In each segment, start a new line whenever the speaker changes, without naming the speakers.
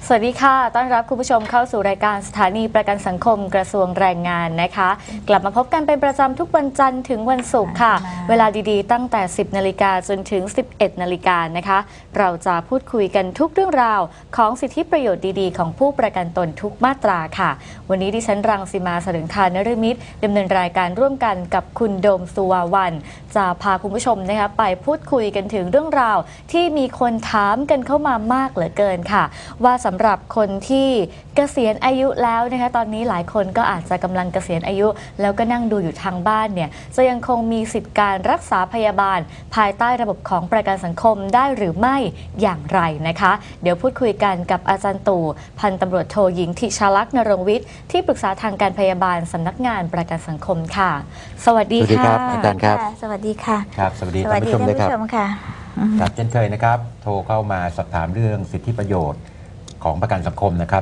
สวัสดีค่ะต้อนรับคุณผู้ชมเข้าสู่รายการสถานีประกันสังคมกระทรวงแรงงานนะคะกลับมาพบกันเป็นประจำทุกวันจันทร์ถึงวันศุกร์ค่ะเวลาดีๆตั้งแต่ 10 นาฬิกาจนถึง 11 นาฬิกานะคะเราจะพูดคุยกันทุกเรื่องราวของสิทธิประโยชน์ดีๆของผู้ประกันตนทุกมาตราค่ะวันนี้ดิฉันรังสีมาสรึงคานฤมิตรดำเนินรายการร่วมกันกับคุณโดมสุวาวันจะพาคุณผู้ชมนะคะไปพูดคุยกันถึงเรื่องราวที่มีคนถามกันเข้ามามากเหลือเกินค่ะว่าสำหรับคนที่เกษียณอายุแล้วนะคะตอนนี้หลายคนก็อาจจะกำลังเกษียณอายุแล้วก็นั่งดูอยู่ทางบ้านเนี่ยจะยังคงมีสิทธิการรักษาพยาบาลภายใต้ระบบของประกันสังคมได้หรือไม่อย่างไรนะคะเดี๋ยวพูดคุยกันกับอาจารย์ตู่พันตำรวจโทหญิงธิชาลักษณ์นรงค์วิทย์ที่ปรึกษาทางการพยาบาลสำนักงานประกันสังคมค่ะสวัสดีค่ะ
อาจารย์ครับ
สวัสดีค่ะ
ครับสวัสดีท่านผู้ชมด้วยครับครับเช่นเคยนะครับโทรเข้ามาสอบถามเรื่องสิทธิประโยชน์ของประกันสังคมนะครับ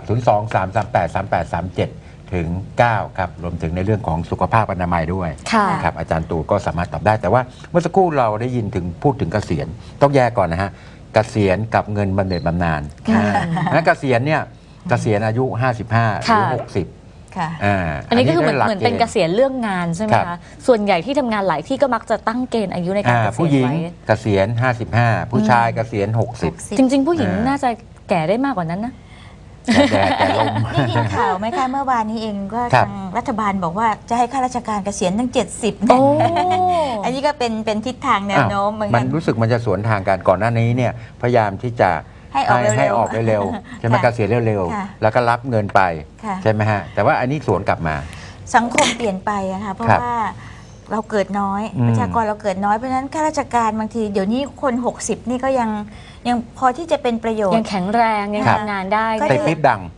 023383837ถึง9ครับรวมถึงในเรื่องของสุขภาพอนามัยด้วยครับอาจารย์ตู่ก็สามารถตอบได้แต่ว่าเมื่อสักครู่เราได้ยินถึงพูดถึงเกษียณต้องแยกก่อนนะฮะเกษียณกับเงินบำเหน็จบำนาญนะเกษียณเนี่ยเกษียณอายุ55หรือ60
อันนี้ก็คือเหมือนเป็นเกษียณเรื่องงานใช่ไหมคะส่วนใหญ่ที่ทำงานหลายที่ก็มักจะตั้งเกณฑ์อายุในการเกษียณไว้
ผู้หญิงเกษียณ55ผู้ชายเกษียณ60
จริงๆผู้หญิงน่าจะแก่ได้มากกว่านั้นนะ
แต่ลมนี่ยินข่าวไหมคะเมื่อวานนี้เองก็ทางรัฐบาลบอกว่าจะให้ข้าราชการเกษียณตั้ง70เนี่ยอันนี้ก็เป็นทิศทางแนวโน้มเหมือนกัน
มันรู้สึกมันจะสวนทางกันก่อนหน้านี้เนี่ยพยายามที่จะให้ออกเร็วใช่ไหมเกษียณเร็วๆแล้วก็รับเงินไปใช่ไหมฮะแต่ว่าอันนี้สวนกลับมา
สังคมเปลี่ยนไปนะคะเพราะว่าเราเกิดน้อยประชากรเราเกิดน้อยเพราะฉะนั้นข้าราชการบางทีเดี๋ยวนี้คน60นี่ก็ยังพอที่จะเป็นประโยชน์
ยังแข็งแรงยังทำงานได้
ใส่คลิปดัง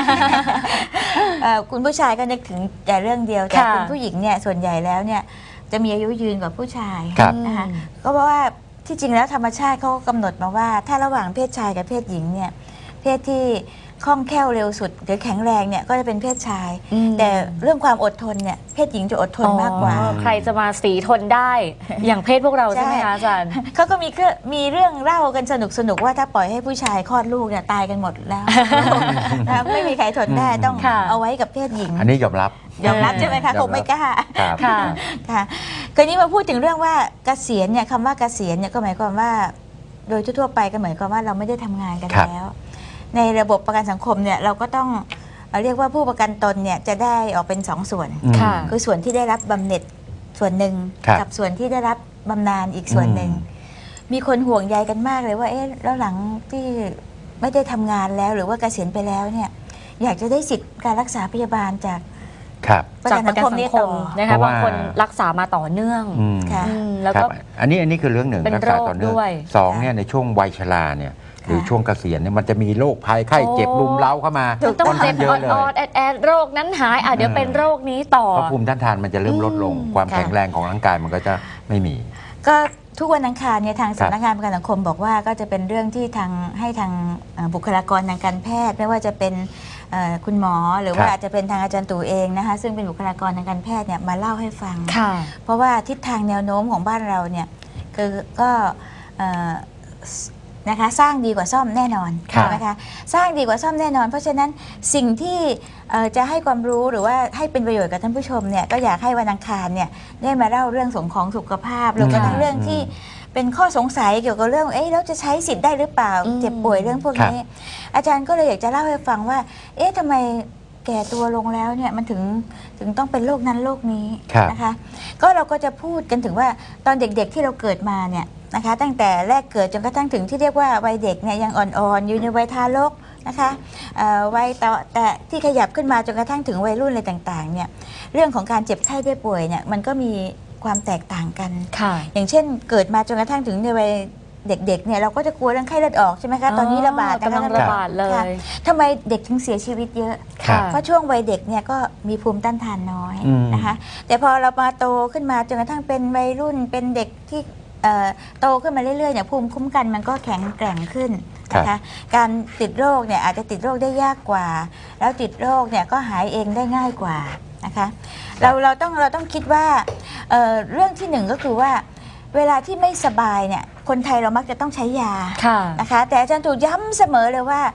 คุณผู้ชายก็นึกถึงแต่เรื่องเดียวแต่คุณผู้หญิงเนี่ยส่วนใหญ่แล้วเนี่ยจะมีอายุยืนกว่าผู้ชายนะคะก็เพราะว่าที่จริงแล้วธรรมชาติเขากำหนดมาว่าถ้าระหว่างเพศชายกับเพศหญิงเนี่ยเพศที่คล่องแคล่วเร็วสุดหรือแข็งแรงเนี่ยก็จะเป็นเพศชายแต่เรื่องความอดทนเนี่ยเพศหญิงจะอดทนมากกว่า
ใครจะมาสีทนได้อย่างเพศพวกเราใช่ไหมคะอาจารย์
เขาก็มีเรื่องเล่ากันสนุกว่าถ้าปล่อยให้ผู้ชายคลอดลูกเนี่ยตายกันหมดแล้วไม่มีใครทนได้ต้องเอาไว้กับเพศหญิง
อันนี้ยอมรับ
ใช่ไหมคะคงไม่กล้าค่ะคราวนี้มาพูดถึงเรื่องว่าเกษียณเนี่ยคำว่าเกษียณเนี่ยก็หมายความว่าโดยทั่วไปก็หมายความว่าเราไม่ได้ทำงานกันแล้วในระบบประกันสังคมเนี่ยเราก็ต้องเรียกว่าผู้ประกันตนเนี่ยจะได้ออกเป็น2ส่วนคือส่วนที่ได้รับบำเหน็จส่วนหนึ่งกับส่วนที่ได้รับบำนาญอีกส่วนหนึ่งมีคนห่วงใยกันมากเลยว่าแล้วหลังที่ไม่ได้ทำงานแล้วหรือว่าเกษียณไปแล้วเนี่ยอยากจะได้สิทธิการรักษาพยาบาลจาก
ประกันสังคมนี่ต่อนะคะบางคนรักษามาต่อเนื่อง
แล้วก็อันนี้คือเรื่องหนึ่งรักษาต่อเนื่อง2เนี่ยในช่วงวัยชราเนี่ยหรือช่วงเกษียณเนี่ยมันจะมีโรคภัยไข้เจ็บรุมเร้าเข้ามา
ต้องเจ็บออดแอดโรคนั้นหายเดี๋ยวเป็นโรคนี้ต่อ
เพราะภูมิต้านทานมันจะเริ่มลดลงความแข็งแรงของร่างกายมันก็จะไม่มี
ก็ทุกวันอังคารเนี่ยทางสำนักงานประกันสังคมบอกว่าก็จะเป็นเรื่องที่ให้ทางบุคลากรทางการแพทย์ไม่ว่าจะเป็นคุณหมอหรือว่าอาจจะเป็นทางอาจารย์ตู่เองนะคะซึ่งเป็นบุคลากรทางการแพทย์เนี่ยมาเล่าให้ฟังเพราะว่าทิศทางแนวโน้มของบ้านเราเนี่ยคือก็นะคะสร้างดีกว่าซ่อมแน่นอนนะคะสร้างดีกว่าซ่อมแน่นอนเพราะฉะนั้นสิ่งที่จะให้ความรู้หรือว่าให้เป็นประโยชน์กับท่านผู้ชมเนี่ยก็อยากให้วันอังคารเนี่ยได้มาเล่าเรื่องของสุขภาพหรือว่าเรื่องที่เป็นข้อสงสัยเกี่ยวกับเรื่องแล้วจะใช้สิทธิ์ได้หรือเปล่าเจ็บป่วยเรื่องพวกนี้อาจารย์ก็เลยอยากจะเล่าให้ฟังว่าทำไมแก่ตัวลงแล้วเนี่ยมันถึงต้องเป็นโรคนั้นโรคนี้นะคะก็เราก็จะพูดกันถึงว่าตอนเด็กๆที่เราเกิดมาเนี่ยนะคะตั้งแต่แรกเกิดจนกระทั่งถึงที่เรียกว่าวัยเด็กเนี่ยยังอ่อนๆอยู่ในวัยทารกนะคะวัยแต่ที่ขยับขึ้นมาจนกระทั่งถึงวัยรุ่นอะไรต่างๆเนี่ยเรื่องของการเจ็บไข้ได้ป่วยเนี่ยมันก็มีความแตกต่างกันอย่างเช่นเกิดมาจนกระทั่งถึงในวัยเด็กๆเนี่ยเราก็จะกลัวเรื่องไข้เลือดออกใช่ไหมคะตอนนี้ระบาด
กำลังระบาดเลย
ทำไมเด็กถึงเสียชีวิตเยอะเพราะช่วงวัยเด็กเนี่ยก็มีภูมิต้านทานน้อยนะคะแต่พอเรามาโตขึ้นมาจนกระทั่งเป็นวัยรุ่นเป็นเด็กที่โตขึ้นมาเรื่อยๆเนี่ยภูมิคุ้มกันมันก็แข็งแกร่งขึ้นนะคะการติดโรคเนี่ยอาจจะติดโรคได้ยากกว่าแล้วติดโรคเนี่ยก็หายเองได้ง่ายกว่านะคะเราต้องคิดว่าเรื่องที่หนึ่งก็คือว่าเวลาที่ไม่สบายเนี่ยคนไทยเรามักจะต้องใช้ยานะคะแต่อาจารย์ตู่ย้ำเสมอเลยว่า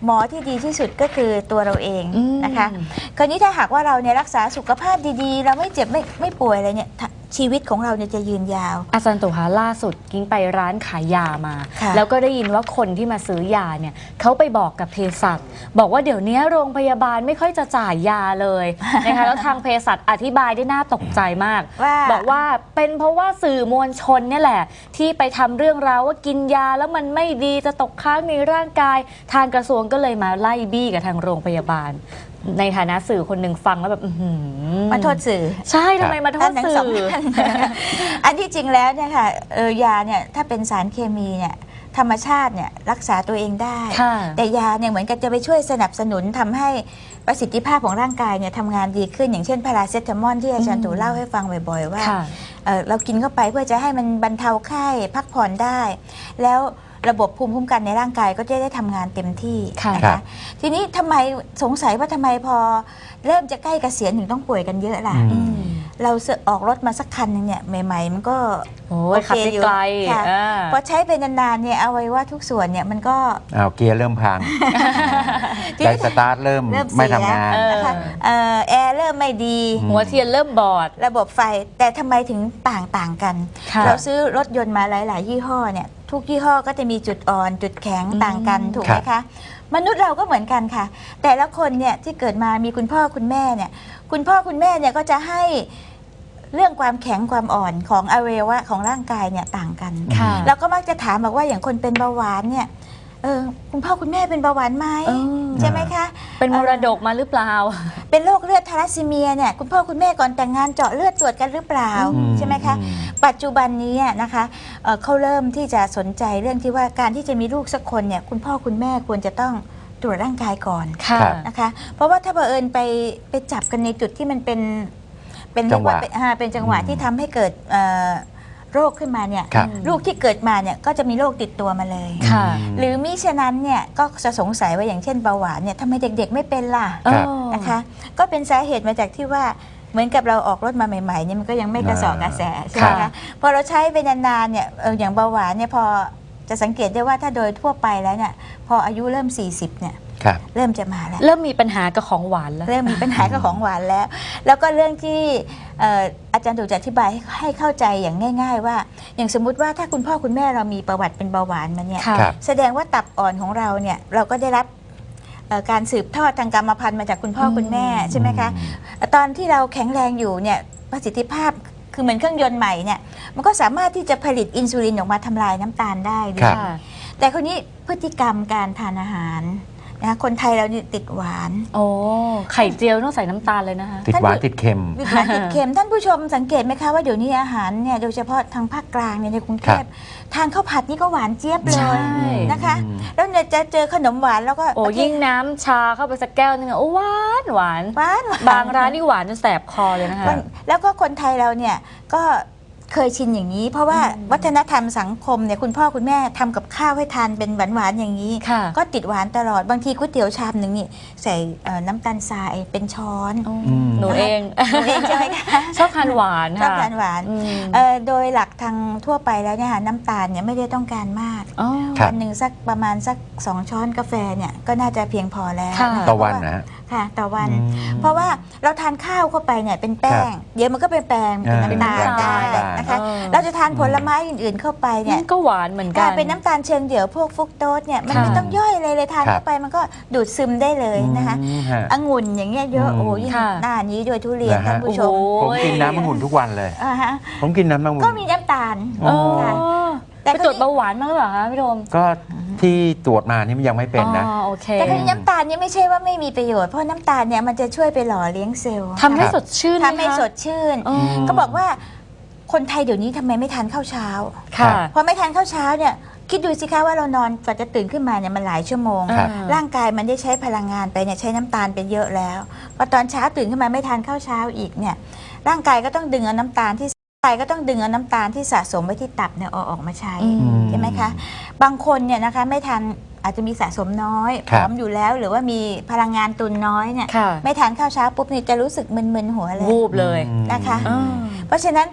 หมอที่ดีที่สุดก็คือตัวเราเอง
อืม
นะคะคราวนี้ถ้าหากว่าเราเนี่ยรักษาสุขภาพดีๆ เราไม่เจ็บไม่ป่วยอะไรเนี่ยชีวิตของเราเนี่ยจะยืนยาว
อาจารย์ตุคะล่าสุดกิ้งไปร้านขายยามา
ค่ะ
แล้วก็ได้ยินว่าคนที่มาซื้อยาเนี่ยเขาไปบอกกับเภสัชบอกว่าเดี๋ยวนี้โรงพยาบาลไม่ค่อยจะจ่ายยาเลยนะคะแล้วทางเภสัชอธิบายได้น่าตกใจมาก
ว่า
บอกว่าเป็นเพราะว่าสื่อมวลชนเนี่ยแหละ ที่ไปทำเรื่องราวว่ากินยาแล้วมันไม่ดีจะตกค้างในร่างกาย ทางกระทรวงก็เลยมาไล่บี้กับทางโรงพยาบาล ในฐานะสื่อคนหนึ่งฟังแล้วแบบอื้อหือ
มาโทษสื่อ
ใช่ทำไมมาโทษ
ทั้ง
สื่
สอง
อ
ท่าน อันที่จริงแล้วเนี่ยค่ะยาเนี่ยถ้าเป็นสารเคมีเนี่ยธรรมชาติเนี่ยรักษาตัวเองได้
ค่ะ
แต่ยาเนี่ยเหมือนกับจะไปช่วยสนับสนุนทำให้ประสิทธิภาพของร่างกายเนี่ยทำงานดีขึ้นอย่างเช่นพาราเซตามอลที่อาจารย์ตู่เล่าให้ฟังบ่อยๆว่า
ค่ะ
เรากินเข้าไปเพื่อจะให้มันบรรเทาไข้พักผ่อนได้ แล้วระบบภูมิคุ้มกันในร่างกายก็จะได้ทำงานเต็มที่
ค่ะ
นะคะ ทีนี้ทำไมสงสัยว่าทำไมพอเริ่มจะใกล้เกษียณถึงต้องป่วยกันเยอะล่ะ
อืม
เราออกรถมาสักคันหนึงเนี่ยใหม่ๆมันก็
โอ้ยขับได้ไกล
ค่ะ
อ่า
พอใช้ไปนานๆเนี่ยเอาไว้ว่าทุกส่วนเนี่ยมันก็
เอาเกียร์เริ่มพัง
ที
ใจ
นี้
สตาร์ทเริ่ม
เริ่มเสีย
ไม่ทำงาน
นะคะแอร์เริ่มไม่ดี
หัวเทียนเริ่มบอด
ระบบไฟแต่ทำไมถึงต่างกัน
ค่ะ
เราซื้อรถยนต์มาหลาย ๆ ยี่ห้อเนี่ยทุกยี่ห้อก็จะมีจุดอ่อนจุดแข็งต่างกันถูกไหมคะมนุษย์เราก็เหมือนกันค่ะ แต่ละคนเนี่ยที่เกิดมามีคุณพ่อคุณแม่เนี่ยคุณพ่อคุณแม่เนี่ยก็จะให้เรื่องความแข็งความอ่อนของอวัยวะของร่างกายเนี่ยต่างกัน
ค่ะ
เราก็มักจะถามบอกว่าอย่างคนเป็นเบาหวานเนี่ยคุณพ่อคุณแม่เป็นเบาหวานไหม
เออ
ใช่ไหมคะ
เป็นมรดกมาหรือเปล่า
เป็นโรคเลือดทาลัสซีเมียเนี่ยคุณพ่อคุณแม่ก่อนแต่งงานเจาะเลือดตรวจกันหรือเปล่า
อืม
ใช่ไหมคะ
อืม
ปัจจุบันนี้นะคะเขาเริ่มที่จะสนใจเรื่องที่ว่าการที่จะมีลูกสักคนเนี่ยคุณพ่อคุณแม่ควรจะต้องตรวจร่างกายก่อน
ค่ะ
ครับ
นะคะเพราะว่าถ้าเผอิญไปจับกันในจุดที่มันเป็นเรียกว่าเป็นจังหวะที่ทำให้เกิดโรคขึ้นมาเนี่ย
ครับ
ลูกที่เกิดมาเนี่ยก็จะมีโรคติดตัวมาเลย
ค่ะ
หรือมิฉะนั้นเนี่ยก็จะสงสัยว่าอย่างเช่นเบาหวานเนี่ยทำไมเด็กๆไม่เป็นล่ะ
ครับ
นะคะก็เป็นสาเหตุมาจากที่ว่าเหมือนกับเราออกรถมาใหม่ๆเนี่ยมันก็ยังไม่กระสอบกระแสใช่ไหม
ค่ะ
คะพอเราใช้ไปนานๆเนี่ยอย่างเบาหวานเนี่ยพอจะสังเกตได้ว่าถ้าโดยทั่วไปแล้วเนี่ยพออายุเริ่ม 40เนี่ย
ครับ
เริ่มจะมาแล้ว
เริ่มมีปัญหากับของหวานแล้ว
เริ่มมีปัญหากับของหวานแล้ว แล้วก็เรื่องที่อาจารย์ตู่จะอธิบายให้เข้าใจอย่างง่าย ๆ ว่า อย่างสมมุติว่าถ้าคุณพ่อคุณแม่เรามีประวัติเป็นเบาหวานมาเนี่ย
ค่ะ
ครับ
แสดงว่าตับอ่อนของเราเนี่ยเราก็ได้รับการสืบทอดทางกรรมพันธุ์มาจากคุณพ่อคุณแม่ใช่ไหมคะตอนที่เราแข็งแรงอยู่เนี่ยประสิทธิภาพคือเหมือนเครื่องยนต์ใหม่เนี่ยมันก็สามารถที่จะผลิตอินซูลินออกมาทำลายน้ำตาลได้ดี
ครับ
ค่ะ
แต่คนนี้พฤติกรรมการทานอาหารนะคะคนไทยเรานี่ติดหวาน
โอ้ไข่เจียวต้องใส่น้ำตาลเลยนะคะ
ติดหวานติดเค็ม
ติดหวานติดเค็มท่านผู้ชมสังเกตไหมคะว่าเดี๋ยวนี้อาหารเนี่ยโดยเฉพาะทางภาคกลางเนี่ยในกรุงเทพทานข้าวผัดนี่ก็หวานเจี๊ยบเล
ใช่
ยนะคะ
อืม
แล้วเนี่ยจะเจอขนมหวานแล้วก็
โอ้ยิ่งน้ำชาเข้าไปสักแก้วนึงอะโอ้หวานหวาน
หวาน
บางร้านนี่หวานจนแสบคอเลยนะคะ
แล้วก็คนไทยเราเนี่ยก็เคยชินอย่างนี้ เพราะว่าวัฒนธรรมสังคมเนี่ยคุณพ่อคุณแม่ทำกับข้าวให้ทานเป็นหวานๆอย่างนี้
ค่ะ
ก็ติดหวานตลอดบางทีก๋วยเตี๋ยวชามหนึ่งนี่ใส่น้ำตาลทรายเป็นช้อน
หนูเอง
หนูเองใช่ไหมคะ
ชอบทานหวาน
ชอบ
ค่ะ
ทานหวาน
อืม
โดยหลักทางทั่วไปแล้วเนี่ยค่ะน้ำตาลเนี่ยไม่ได้ต้องการมาก
อ๋อ
ครับ
วันหนึ่งสักประมาณสัก2 ช้อนกาแฟเนี่ยก็น่าจะเพียงพอแล้ว
ค่ะ
ค
ต่อวันนะฮะ
ค่ะต่อวัน
อืม
เพราะว่าเราทานข้าวเข้าไปเนี่ยเป็นแป้ง เดี๋ยวมันก็เป็นแป้งเป็นน้ำตาล
อ่า
ได้นะคะ
เออ
เราจะทานผลไม้อื่นๆเข้าไปเนี่ย
ก็หวานเหมือนกั
ถ้าน เป็นน้ำตาลเชิงเดี่ยวพวกฟรุกโตสเนี่ยมัน
ค่ะ
ไม่ต้องย่อยเลยทาน
ครับ
เข้าไปมันก็ดูดซึมได้เลยนะคะ
อืมฮะ
องุ่นอย่างเงี้ยเยอะ
อืม
โอ้ยิ่ง
ค่ะ
หน้านี้ด้วยทุเรียน
นะฮะ
ท่านผู้ชม
โอ้โห
ผมกินน้ำองุ่นทุกวันเลย
ฮะ
ผมกินน้ำองุ่น
ก็มีน้ำตาล
อ๋อ
ค่ะ
แต่ไปตรวจเบาหวานมาหรือเปล่าคะพี่โดม
ก็ที่ตรวจมานี่มันยังไม่เป็นนะ
อ๋อโอเค
แต่คือน้ำตาลเนี่ยไม่ใช่ว่าไม่มีประโยชน์เพราะน้ำตาลเนี่ยมันจะช่วยไปหล่อเลี้ยงเซลล์
ทำให้สดชื่น
ทำให้
ไมคะ
สดชื่น
อ๋อ
ก็บอกว่าคนไทยเดี๋ยวนี้ทำไมไม่ทานข้าวเช้า
ค่ะ
พอไม่ทานข้าวเช้าเนี่ยคิดดูสิคะว่าเรานอนกว่าจะตื่นขึ้นมาเนี่ยมันหลายชั่วโมง
ครับ
ร่างกายมันได้ใช้พลังงานไปเนี่ยใช้น้ำตาลไปเยอะแล้วพอตอนเช้าตื่นขึ้นมาไม่ทานข้าวเช้าอีกเนี่ยร่างกายก็ต้องดึงเอาน้ำตาลที่สะสมไว้ที่ตับเนี่ยเอาออกมาใช้
อืม
ใช่ไหมคะบางคนเนี่ยนะคะไม่ทานอาจจะมีสะสมน้อยผ
ครับ
อมอยู่แล้วหรือว่ามีพลังงานตุนน้อยเนี่ย
ค่ะ
ไม่ทานข้าวเช้าปุ๊บนี่จะรู้สึกมึนๆหัวเลย
วูบเลย
นะคะ
อ่า
เพราะฉะนั้น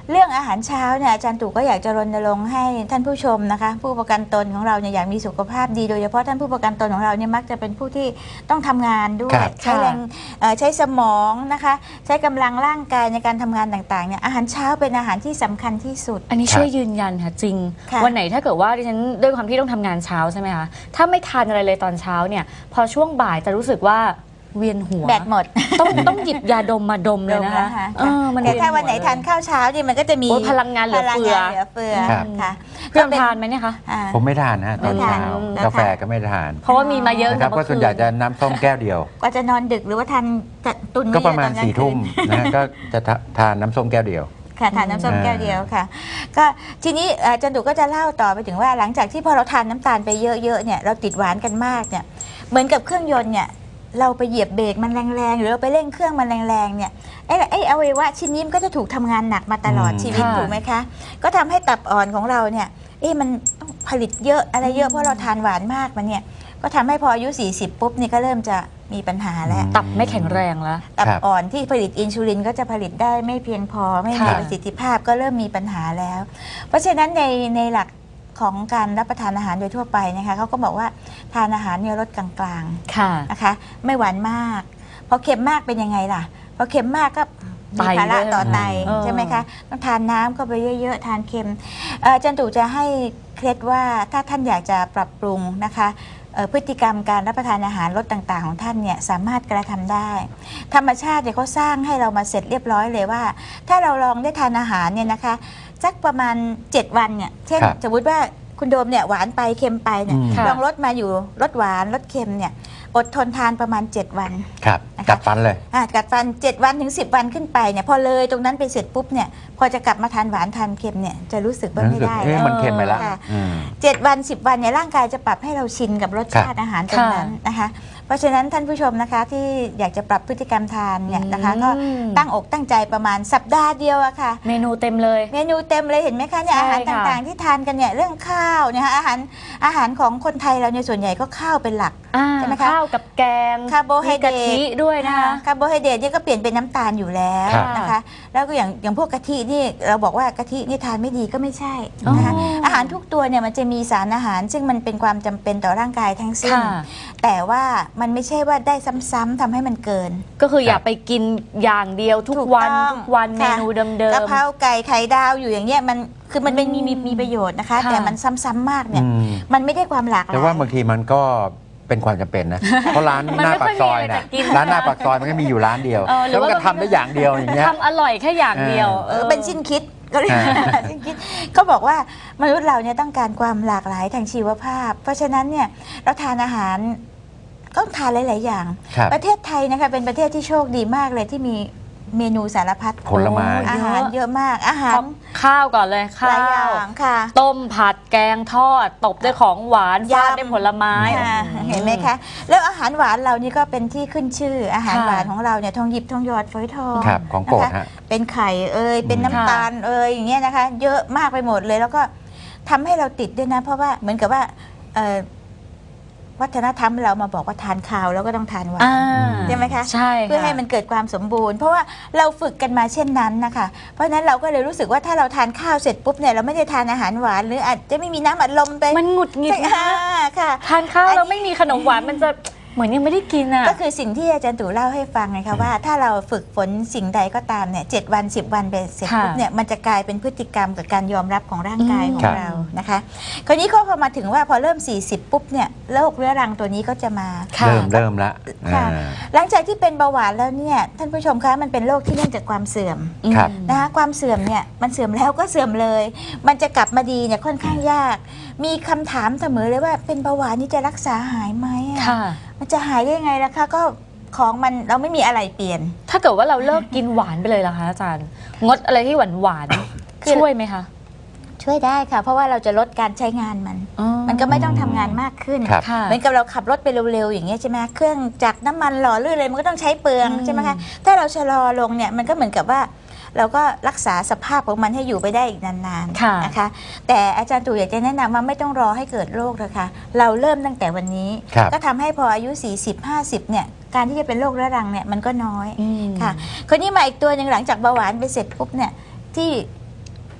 เรื่องอาหารเช้าเนี่ยอาจารย์ตู่ก็อยากจะรณรงค์ให้ท่านผู้ชมนะคะผู้ประกันตนของเราเนี่ยอยากมีสุขภาพดีโดยเฉพาะท่านผู้ประกันตนของเราเนี่ยมักจะเป็นผู้ที่ต้องทำงานด้วย
ครับ
ใช้แรงใช้สมองนะคะใช้กำลังร่างกายในการทำงานต่างๆเนี่ยอาหารเช้าเป็นอาหารที่สำคัญที่สุด
อันนี้ช่วยยืนยันค่ะจริง
ค่ะ
วันไหนถ้าเกิดว่าดิฉันด้วยความที่ต้องทำงานเช้าใช่ไหมคะถ้าไม่ทานอะไรเลยตอนเช้าเนี่ยพอช่วงบ่ายจะรู้สึกว่าเวียนหัว
แบตหมด
ต้องหยิบยาดมมาดมเลยนะคะมัน
แต่
เวียน
ถ้า
หั
วันไหน
เลย
ทานข้าวเช้าเนี่ยมันก็จะมี
โอ้ยพลังงานเหลือเฟือ
พลังงานเหลือเฟือ
ครับ
ค่ะ
เพื่อนทานไหมเนี่ยคะ
อ่า
ผมไม่ทานนะตอนเช้า
ไม่ทาน
กาแฟก็ไม่ทาน
เพราะว่ามีมาเยอะ
นะครับ
ตั้ง
ก็
แต่
ส่วนใหญ่จะน้ำส้มแก้วเดียว
กว่าจะนอนดึกหรือว่าทานตุน
ก็ประมาณ
ไว้ตอนกลาง
4 ทุ่ม
คืน
นะฮะก็จะทานน้ำส้มแก้วเดียว
ค่ะทานน้ำส้มแก้วเดียวค่ะ ก็ทีนี้อาจารย์ดุก็จะเล่าต่อไปถึงว่าหลังจากที่พอเราทานน้ำตาลไปเยอะๆเนี่ยเราติดหวานกันมากเนี่ยเหมือนกับเครื่องยนต์เนี่ยเราไปเหยียบเบรกมันแรงๆหรือเราไปเร่งเครื่องมันแรงๆเนี่ยไอ้อวัยวะชิ้นนี้มันก็จะถูกทำงานหนักมาตลอดชีวิต
ค่ะ
ถูกไหมคะก็ทำให้ตับอ่อนของเราเนี่ยมันต้องผลิตเยอะอะไรเยอะเพราะเราทานหวานมากมันเนี่ยก็ทำให้พออายุ 40 ปุ๊บนี่ก็เริ่มจะมีปัญหาแล้ว
ตับไม่แข็งแรงแล้ว
ตับ
ครับ
อ่อนที่ผลิตอินซูลินก็จะผลิตได้ไม่เพียงพอไม่มี
ค่ะ
ประสิทธิภาพก็เริ่มมีปัญหาแล้ว เพราะฉะนั้นในหลักของการรับประทานอาหารโดยทั่วไปนะคะเขาก็บอกว่าทานอาหารเนี่ยลดกลางๆ
ค่ะ
นะคะไม่หวานมากพอเค็มมากเป็นยังไงล่ะพอเค็มมากก็มีภาระต่อไต
เออ
ใช่ไหมคะต้องทานน้ำก็ไปเยอะๆทานเค็มอาจารย์ตู่จะให้เคล็ดว่าถ้าท่านอยากจะปรับปรุงนะคะพฤติกรรมการรับประทานอาหารรสต่างๆของท่านเนี่ยสามารถกระทำได้ ธรรมชาติเนี่ยเขาสร้างให้เรามาเสร็จเรียบร้อยเลยว่า ถ้าเราลองได้ทานอาหารเนี่ยนะคะสักประมาณ 7 วันเนี่ยเช่น
ครับ
สมมติว่าคุณโดมเนี่ยหวานไปเค็มไปเนี่ย
อืม
ค่ะ
ลองลดมาอยู่ลดหวานลดเค็มเนี่ยอดทนทานประมาณ 7 วัน
ครับ
นะคะ
กัดฟันเลย
กัดฟัน 7 วันถึง 10 วันขึ้นไปเนี่ยพอเลยตรงนั้นไปเสร็จปุ๊บเนี่ยพอจะกลับมาทานหวานทานเค็มเนี่ยจะรู้สึกว่า
รู้
ไม่
สึก
ได้
มันเค็มไปแล้ว
ค่ะ
อืม
7 วัน 10 วันเนี่ยร่างกายจะปรับให้เราชินกับรสชาติอาหารตรงนั้นนะคะ เพราะฉะนั้นท่านผู้ชมนะคะที่อยากจะปรับพฤติกรรมทานเนี่ยนะคะก็ตั้งอกตั้งใจประมาณสัปดาห์เดียวอะค่ะ
เมนูเต็มเลย
เมนูเต็มเลยเห็นไหมคะเนี่ย
ใช่
อาหาร
ค่ะ
ต่างๆที่ทานกันเนี่ยเรื่องข้าวเนี่ยค่ะอาหารของคนไทยเราเนี่ยส่วนใหญ่ก็ข้าวเป็นหลัก ใช่ไหมคะ
ข้าวกับแกง
คาร์โบไฮเดรต
มีกะทิด้วยนะคะ
คาร์โบไฮเดรตเนี่ยก็เปลี่ยนเป็นน้ำตาลอยู่แล้ว
ครับ
นะคะ แล้วก็อย่างพวกกะทินี่เราบอกว่ากะทินี่ทานไม่ดีก็ไม่ใช่นะคะ
อ๋ออ
อาหารทุกตัวเนี่ยมันจะมีสารอาหาร ซึ่งมันเป็นความจำเป็นต่อร่างกายทั้งสิ้น
ค่ะ
แต่ว่ามันไม่ใช่ว่าได้ซ้ำๆทำให้มันเกิน
ก็คืออย่าไปกินอย่างเดียวทุกวัน
ถูกต้อง
ทุกวันเม
ค่ะ
นูเดิม
กะเพราไก่ไข่ดาวอยู่อย่างเงี้ยมันคือมันเป็นมีประโยชน์นะคะ
ค่ะ
แต่มันซ้ำๆมากเนี่ย
อืม
มันไม่ได้ความหลากหลาย
แต่ว่าบางทีมันก็เป็นความจำเป็นนะ เพราะร้าน
มัน
หน้า
ไม่
ปา
ค่อย
กซอย
มีอะไร
นะ
จะกิน
ร้านหน้าปากซอยมันก็มีอยู่ร้านเดียว
หรื
แล้
อ
วมัน
ว่า
ก็ทำได้อย่างเดียวอย่างเงี้ย
ทำอร่อยแค่อย่างเดียว
เป็นชิ้นคิดก็เรียก ชิ้นคิดเขาบอกว่ามนุษย์เราเนี่ยต้องการความหลากหลายทางชีวภาพ เพราะฉะนั้นเนี่ยเราทานอาหารก็ทานหลาย ๆ อย่าง
ครับ
ประเทศไทยนะคะเป็นประเทศที่โชคดีมากเลยที่มีเมนูสารพัด
ผลไม้
โอ้
อาหารเยอะมากอาหาร
ข้าวก่อนเลย
หลายอ
ข้าว
ย่างค่ะ
ต้มผัดแกงทอด ตบด้วยของหวาน
ยำ
ฟาดด้วยผลไม้
ค่ะเห็นไหมคะ แล้วอาหารหวานเรานี่ก็เป็นที่ขึ้นชื่อ อาหาร
ค่ะ
หวานของเราเนี่ยทองหยิบทองหยอดฝอยทอง
ครับของโปรด
นะคะ
ฮะ
เป็นไข่เป็นน้ำ
ค่ะ
ตาลอย่างเงี้ยนะคะ เยอะมากไปหมดเลย แล้วก็ทำให้เราติดด้วยนะ เพราะว่าเหมือนกับว่าวัฒนธรรมเรามาบอกว่าทานข้าวแล้วก็ต้องทานหวาน
อ่า
ใช่ไหมคะ
ใช่
เพื่อให้มันเกิดความสมบูรณ์ เพราะว่าเราฝึกกันมาเช่นนั้นนะคะ เพราะฉะนั้นเราก็เลยรู้สึกว่าถ้าเราทานข้าวเสร็จปุ๊บเนี่ยเราไม่ได้ทานอาหารหวาน หรืออาจจะไม่มีน้ำอัดลมไป
มันหงุดหงิดนะ
ค่ะ
ทานข้าวแล้วไม่มีขนมหวานมันจะเหมือนยังไม่ได้กินอ่ะ
ก็คือสิ่งที่อาจารย์ตู่เล่าให้ฟังไงคะว่าถ้าเราฝึกฝนสิ่งใดก็ตามเนี่ย7 วัน 10 วันไปเสร็จ
ค่ะ
ปุ๊บเนี่ยมันจะกลายเป็นพฤติกรรมกับการยอมรับของร่างกายของ
ครับ
เรานะคะคราวนี้ก็พอมาถึงว่าพอเริ่ม 40 ปุ๊บเนี่ยโรคเรื้อรังตัวนี้ก็จะมา
ค่ะ
เริ่มละ
ค่ะ
อ่า
หลังจากที่เป็นเบาหวานแล้วเนี่ยท่านผู้ชมคะมันเป็นโรคที่เนื่องจากความเสื่อม
ครับ
นะคะความเสื่อมเนี่ยมันเสื่อมแล้วก็เสื่อมเลย มันจะกลับมาดีเนี่ยค่อนข้างยาก มีคำถามเสมอเลยว่าเป็นเบาหวานนี่จะรักษาหายไหมอะ
ค่ะ
มันจะหายได้ยังไงล่ะคะก็ของมันเราไม่มีอะไรเปลี่ยน
ถ้าเกิดว่าเราเลิกกินหวานไปเลยล่ะคะอาจารย์ งดอะไรที่หวานหวานๆ
คือ
ช่วยไหมคะ
ช่วยได้ค่ะ เพราะว่าเราจะลดการใช้งานมัน
อ๋อ
มันก็ไม่ต้องทำงานมากขึ้น
ครับ
ค่ะ
เหมือนกับเราขับรถไปเร็วๆอย่างเงี้ยใช่ไหมเครื่องจักรน้ำมันหล่อลื่นเลยมันก็ต้องใช้เปลือง
อืม
ใช่ไหมคะถ้าเราชะลอลงเนี่ยมันก็เหมือนกับว่าเราก็รักษาสภาพของมันให้อยู่ไปได้อีกนาน
ค่ะ
ๆนะคะแต่อาจารย์ตู่อยากจะแนะนำว่าไม่ต้องรอให้เกิดโรคเลยค่ะเราเริ่มตั้งแต่วันนี้
ครับ
ก็ทำให้พออายุ 40-50เนี่ยการที่จะเป็นโรคเรื้อรังเนี่ยมันก็น้อย
อืม
ค่ะคนนี้มาอีกตัวหนึ่งหลังจากเบาหวานไปเสร็จปุ๊บเนี่ยที่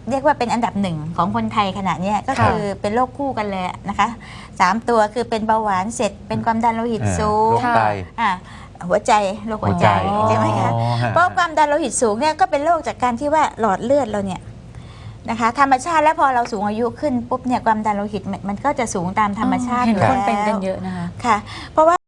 เรียกว่าเป็นอันดับหนึ่งของคนไทยขณะเนี้ยก็คือเป็นโรคคู่กันเลยนะคะ3 ตัวคือเป็นเบาหวานเสร็จเป็นความดันโลหิตสูง
โรคไต
หัวใจโรคหัวใจ
หัวใจ
ใช่ไหมคะ
อ๋อฮะ
เพราะความดันโลหิตสูงเนี่ยก็เป็นโรคจากการที่ว่าหลอดเลือดเราเนี่ยนะคะธรรมชาติแล้วพอเราสูงอายุขึ้นปุ๊บเนี่ยความดันโลหิตมันก็จะสูงตามธรรมชาติ
เห็น
อยู่
คนเป็น
แล้ว
กันเยอะนะคะ
ค่ะเพราะว่า